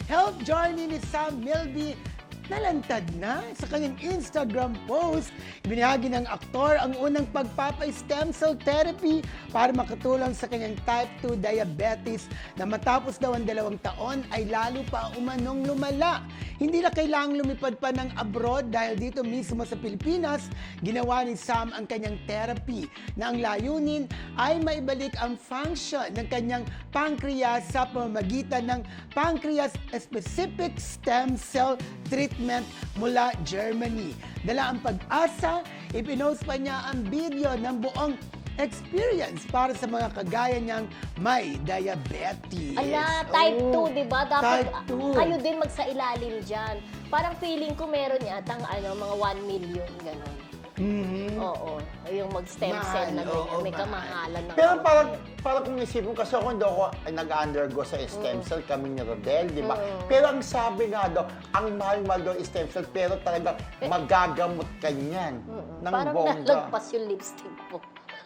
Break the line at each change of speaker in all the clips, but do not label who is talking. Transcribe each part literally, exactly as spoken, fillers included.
health journey ni Sam Milby nalantad na. Sa kanyang Instagram post, ibinahagi ng aktor ang unang pagpapa-stem cell therapy para makatulong sa kanyang type two diabetes na matapos daw ang dalawang taon ay lalo pa umanong lumala. Hindi na kailangang lumipad pa ng abroad dahil dito mismo sa Pilipinas, ginawa ni Sam ang kanyang therapy na ang layunin ay maibalik ang function ng kanyang pancreas sa pamamagitan ng pancreas-specific stem cell treatment mula Germany. Dala ang pag-asa, ipinost pa niya ang video ng buong experience para sa mga kagaya niyang may diabetes.
Ala, type two,
Oh,
di ba? Dapat
type two.
kayo din magsailalim dyan. Parang feeling ko meron yatang ano, mga one million, gano'n.
Mhm.
Oo, yung mag-stem cell na
Mahal, oo,
ganyan. May
mahal.
kamahalan na.
Pero parang, parang kung isipin kasi ako, hindi ako ay nag-undergo sa stem cell, kami ni Rodel, di ba? Pero ang sabi nga daw, ang mahal-mahal daw yung stem cell, pero talagang magagamot ka niyan ng
Parang
bongga.
nalagpas yung lipstick po.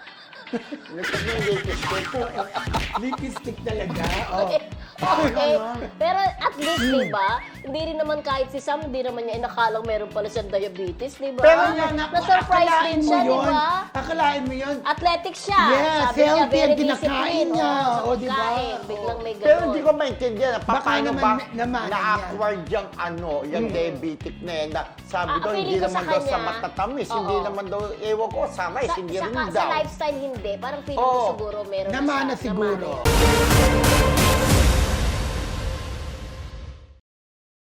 Lipstick talaga. Oh.
Okay.
Ano?
Pero at least, di ba? Hindi rin naman kahit si Sam, hindi naman niya inakalang meron pala siyang diabetes, di ba?
Pero yan,
Na-surprise
akalain
din
mo
siya, di
yun.
ba?
Akalain mo yun.
Athletic siya.
Yes,
Sabi niya,
healthy
very
ang kinakain
disciplined.
niya.
Oo, sa
O, di ba?
pagkain. Biglang may gano'n.
Pero hindi ko maintindihan,
Baka
paano
naman
ba
namanan
na-acquired yung ano, yung diabetic na yan, na sabi
Ah,
daw,
feeling
hindi
ko
naman
sa
daw sa
kanya,
matatamis, hindi
oo.
naman daw, ewan ko, sa rice,
Sa,
hindi
sa,
rin
sa
daw.
lifestyle hindi. Parang feeling
Oo.
ko siguro meron
Namana
na siya.
siguro.
Namana.